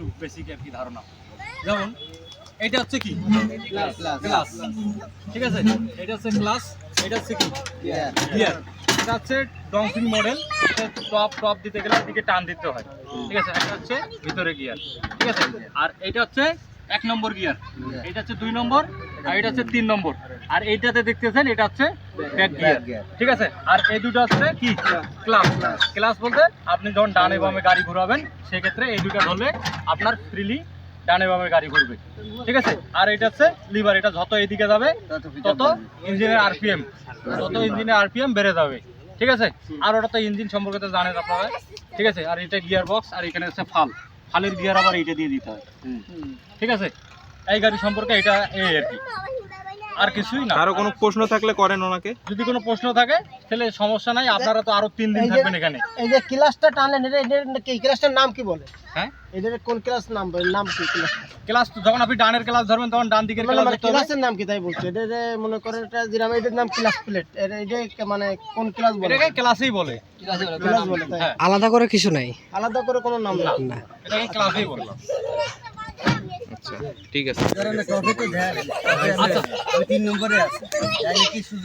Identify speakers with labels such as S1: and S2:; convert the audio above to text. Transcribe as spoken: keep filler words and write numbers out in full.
S1: একটু বেসিক আর কি ধারণা। যেমন এটা হচ্ছে কি
S2: ক্লাস
S1: ক্লাস, ঠিক আছে, এটা হচ্ছে ক্লাস, এটা হচ্ছে কি গিয়ার। এটা হচ্ছে ডংফিন মডেল, এটা টপ টপ দিতে গেলে এদিকে টান দিতে হয়, ঠিক আছে। এটা হচ্ছে ভিতরে গিয়ার, ঠিক আছে। আর এটা হচ্ছে এক নম্বর গিয়ার, এটা হচ্ছে দুই নম্বর, আর এটা হচ্ছে তিন নম্বর। আর এইটাতে দেখতেছেন এটা হচ্ছে ব্যাক গিয়ার, ঠিক আছে। আর এই দুটো হচ্ছে কি ক্লাস। ক্লাস বলতে আপনি যখন ডানে বামে গাড়ি ঘোরাবেন সেক্ষেত্রে এই দুটো ধরলে আপনার ফ্রিলি ডানে বামে গাড়ি ঘুরবে, ঠিক আছে। আর এটা হচ্ছে লিভার, এটা যত এদিকে যাবে তত ইঞ্জিনের আরপিএম তত ইঞ্জিনের আরপিএম বেড়ে যাবে, ঠিক আছে। আর ওটা তো ইঞ্জিন সম্পর্কে তো জানেন আপনারা, ঠিক আছে। আর এটা গিয়ার বক্স, আর এখানে হচ্ছে ফাল, ফালের গিয়ার আবার এইটা দিয়ে দিতে হয়, ঠিক আছে। এই গাড়ি সম্পর্কে এটা এই আর কি, আর কিছুই না।
S3: আরো কোনো প্রশ্ন থাকলে করেন ওনাকে।
S1: যদি কোনো প্রশ্ন থাকে তাহলে সমস্যা নাই, আপনারা তো আরো তিন দিন
S2: এই যে-
S1: থাকবেন এখানে।
S2: এই যে ক্লাসটা টানলেন, এটা এটার কি ক্লাসটার নাম কি বলে?
S1: হ্যাঁ,
S2: এটার কোন ক্লাস নাম বলে? নাম কি ক্লাস?
S1: ক্লাস তো যখন আপনি ডানের ক্লাস ধরবেন তখন ডান দিকের
S2: মানে
S1: ক্লাস
S2: মানে
S1: ধরতে হবে।
S2: ক্লাসের নাম কি তাই বলছো? এটা যে মনে করেন এটা যেরকম এটার নাম ক্লাস প্লেট, এটা এটা মানে কোন ক্লাস বলে?
S1: এটাকে ক্লাসেই বলে,
S2: ক্লাস বলে তাই?
S1: হ্যাঁ,
S4: আলাদা করে কিছু নাই
S2: আলাদা করে কোনো নাম না।
S4: না।
S1: এটাকে ক্লাসেই বলে।
S3: আচ্ছা ঠিক আছে।
S1: আচ্ছা,
S2: তিন নম্বরে আছে।